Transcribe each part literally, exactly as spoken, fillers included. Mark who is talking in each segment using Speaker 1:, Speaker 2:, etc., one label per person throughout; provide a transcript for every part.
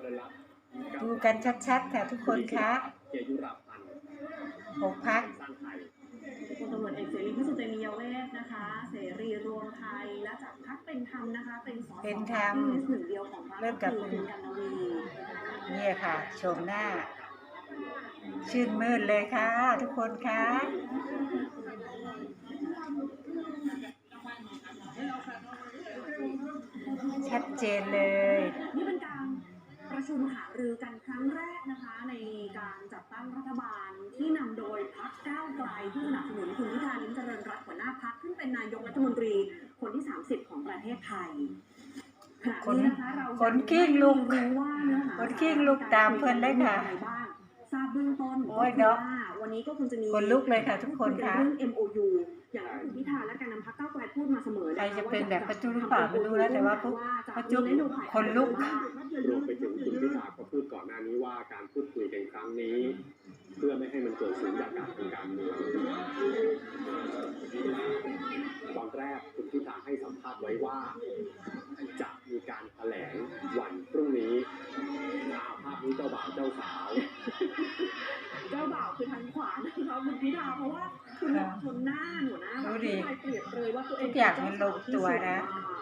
Speaker 1: ดูกันชัดๆค่ะทุกคนคะหกพัก
Speaker 2: พลตำรวจเอกเสรีพิสุทธิ์เตมียเวทนะคะเสรีรวมไทยและจากพรรคเป็นธรรมนะคะเป็นสส
Speaker 1: เป็นธรรม
Speaker 2: หนึ่งเดียวของพรรค
Speaker 1: เริ่มกับคุณ
Speaker 2: กันนวี
Speaker 1: เนี่ยค่ะชมหน้าชื่นมื่นเลยค่ะทุกคนคะชัดเจนเลย
Speaker 2: นี่เป็นการประชุมหารือกันครั้งแรกนะคะในการจัดตั้งรัฐบาลที่นำโดยพรรคก้าวไกลที่สนับสนุนคุณพิธาลิ้มเจริญรัตน์หัวหน้าพรรคขึ้นเป็นนายกรัฐมนตรีคนที่สามสิบของประเทศไทยขณะนี้นะคะเรา
Speaker 1: คนกิ้งลุก
Speaker 2: ว่าเนื้อหา
Speaker 1: คนกิ้งลุกตามเพื่อนได้ค่ะ
Speaker 2: ทราบเบื้องต้น
Speaker 1: โอ้ยเนาะ
Speaker 2: วันนี้ก็คงจะมี
Speaker 1: คนลุกเลยค่ะทุกคนค่ะ
Speaker 2: เรื่อง เอ็ม โอ ยู อย่างที่คุณพิธาและการนำพรรคก้าวไกลพูดมาเสมอ
Speaker 1: ใครจะเป็นแบบประจุหรือเปล่าไม่รู้แล้วแต่ว่าประจุคนลุก
Speaker 3: รวมไปถึงคุณพิธาก็พูดก่อนหน้านี้ว่าการพูดคุยกันครั้งนี้เพื่อไม่ให้มันเกิดสุญญากาศทางการเมืองตอนแรกคุณพิธาให้สัมภาษณ์ไว้ว่าจะมีการแถลงวันพรุ่งนี้ภาพนี้เจ้าบ่าวเจ้าสาว
Speaker 2: เจ้าบ่าวคือทางขวานะคะคุณพิธาเพราะว่าคุณหมอชนหน้าหนูนะ
Speaker 1: ดูดิ
Speaker 2: เปรียบเลยว่าตัวเอง
Speaker 1: ทุกอย่างมันลงตัวนะ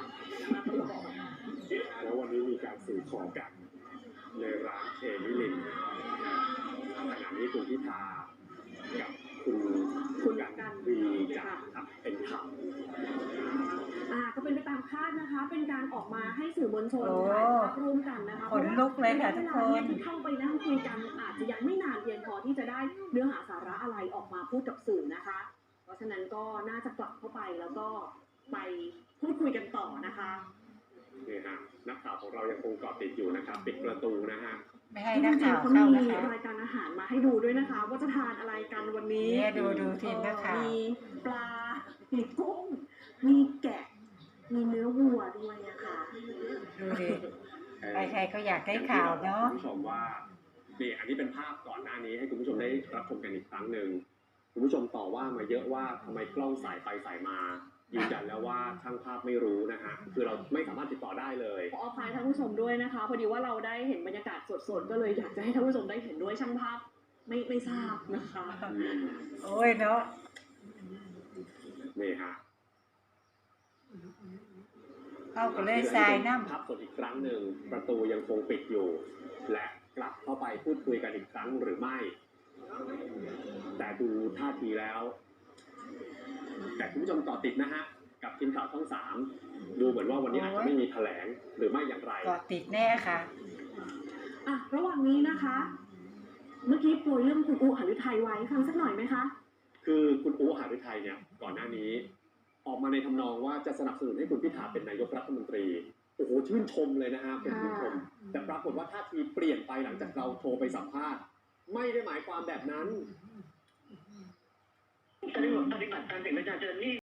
Speaker 3: แล้ววันนี้มีการสื่อขอกันในร้านเคมิลินขณะนี้คุณพิธากับคุณ
Speaker 2: คุณ
Speaker 3: กันวีจากพรรคเป็นธรรม
Speaker 2: อ่าก็เป็นไปตามคาดนะคะเป็นการออกมาให้สื่อมวลชนถ่ายภาพร่วมกันนะคะ
Speaker 1: ขนลุกเลยค่ะทุกคน
Speaker 2: ที่เข้าไปนั่งคุยกันอาจจะยังไม่นานเพียงพอที่จะได้เนื้อหาสาระอะไรออกมาพูดกับสื่อนะคะเพราะฉะนั้นก็น่าจะกลับเข้าไปแล้วก็ไปพูดคุยกันต่อนะคะ
Speaker 3: นี่ฮะนักข่าวของเรายังคงเกาะติดอยู่นะครับปิดประตูนะฮะ
Speaker 1: ไม่ให้นักข่าวเข้านะคะ
Speaker 2: รายการอาหารมาให้ดูด้วยนะคะว่าจะทานอะไรกันวันนี้
Speaker 1: เนี่ยดูดูทีมนักข่าว
Speaker 2: มีปลามีกุ้งมีแกะมีเนื้อวัวด้วยนะคะ
Speaker 1: ดูดิใครๆเขาอยากได้ข่าวเนาะ
Speaker 3: คุณผู้ชมว่านี่อันนี้เป็นภาพก่อนหน้านี้ให้คุณผู้ชมได้รับชมกันอีกครั้งหนึ่งคุณผู้ชมต่อว่ามาเยอะว่าทำไมกล้องสายไปสายมายืนยันแล้วว่าช่างภาพไม่รู้นะฮะคือเราไม่สามารถติดต่อได้เลย
Speaker 2: ขออภัยท่านผู้ชมด้วยนะคะพอดีว่าเราได้เห็นบรรยากาศสดๆก็เลยอยากจะให้ท่านผู้ชมได้เห็นด้วยช่างภาพไม่ไม่ทราบนะคะ
Speaker 1: โอ้ยเนาะ
Speaker 3: นี่ฮะ
Speaker 1: เข้าไปเลยทรายน้
Speaker 3: ำภาพสดอีกครั้งหนึ่งประตูยังคงปิดอยู่และกลับเข้าไปพูดคุยกันอีกครั้งหรือไม่แต่ดูท่าทีแล้วแต่คุณผู้ชมต่อติดนะฮะกับทีมข่าวช่องสามดูเหมือนว่าวันนี้อาจจะไม่มีแถลงหรือไม่อย่างไร
Speaker 1: ต่อติดแน่ค่ะ
Speaker 2: อ่ะระหว่างนี้นะคะเมื่อกี้โปรยเรื่องคุณอู๋หฤทัยไว้ฟังสักหน่อยไหมคะ
Speaker 3: คือคุณอู๋หฤทัยเนี่ยก่อนหน้านี้ออกมาในทำนองว่าจะสนับสนุนให้คุณพิธาเป็นนายกรัฐมนตรีโอ้โหชื่นชมเลยนะฮะเป็นชื่นชมแต่ปรากฏว่าท่าทีเปลี่ยนไปหลังจากเราโทรไปสัมภาษณ์ไม่ได้หมายความแบบนั้น
Speaker 4: ปฏิบัติการเป็นประชาชนนี่